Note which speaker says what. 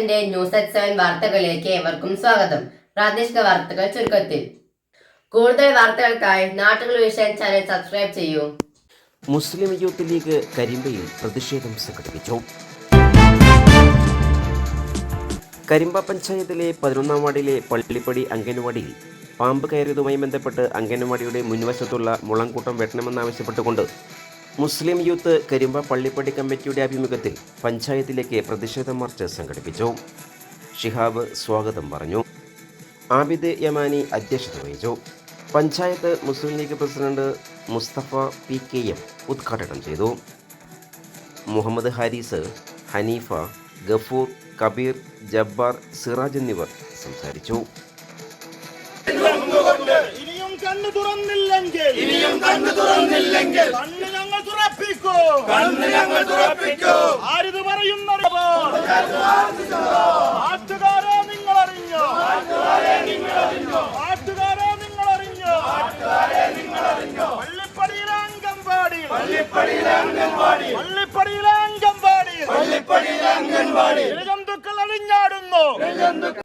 Speaker 1: ന്യൂസിന്റെ news at 7 വാർത്തകളിലേക്ക് ഏവർക്കും സ്വാഗതം. പ്രാദേശിക വാർത്തകൾ ചുരുക്കത്തിൽ. കൂടുതൽ വാർത്തകൾക്കായി നാട്ടുകൾ വിഷൻ ചാനൽ സബ്സ്ക്രൈബ് ചെയ്യൂ.
Speaker 2: മുസ്ലിം യൂത്ത് ലീഗ് കരിമ്പയിൽ പ്രതിഷേധം സംഘടിപ്പിച്ചു. കരിമ്പ പഞ്ചായത്തിലെ 11-ാം വാർഡിലെ പള്ളിപ്പടി അംഗൻവാടിയിൽ പാമ്പ് കയറിയതുമായി ബന്ധപ്പെട്ട് അംഗൻവാടിയുടെ മുൻവശത്തുള്ള മുളങ്കൂട്ടം വെട്ടണമെന്നാവശ്യപ്പെട്ടുകൊണ്ട് മുസ്ലിം യൂത്ത് കരിമ്പ പള്ളിപ്പടി കമ്മിറ്റിയുടെ ആഭിമുഖ്യത്തിൽ പഞ്ചായത്തിലേക്ക് പ്രതിഷേധ മാർച്ച് സംഘടിപ്പിച്ചു. ഷിഹാബ് സ്വാഗതം പറഞ്ഞു. ആബിദ് യമാനി അധ്യക്ഷത വഹിച്ചു. Panchayat Muslim league president Mustafa PKM ഉദ്ഘാടനം ചെയ്തു. മുഹമ്മദ് ഹാരിസ്, ഹനീഫ, ഗഫൂർ, കബീർ, ജബ്ബാർ, സിറാജ് എന്നിവർ സംസാരിച്ചു.
Speaker 3: കണ്ണ് തുറന്നില്ലെങ്കിൽ കണ്ണ് ഞങ്ങൾ തുറപ്പിക്കൂ. ആരിത് പറയുന്നറിയോ? നാട്ടുകാരെ നിങ്ങൾ അറിഞ്ഞോ? പള്ളിപ്പടിയിലെ അംഗൻവാടി ഇഴജന്തുക്കൾ അഴിഞ്ഞാടുന്നു.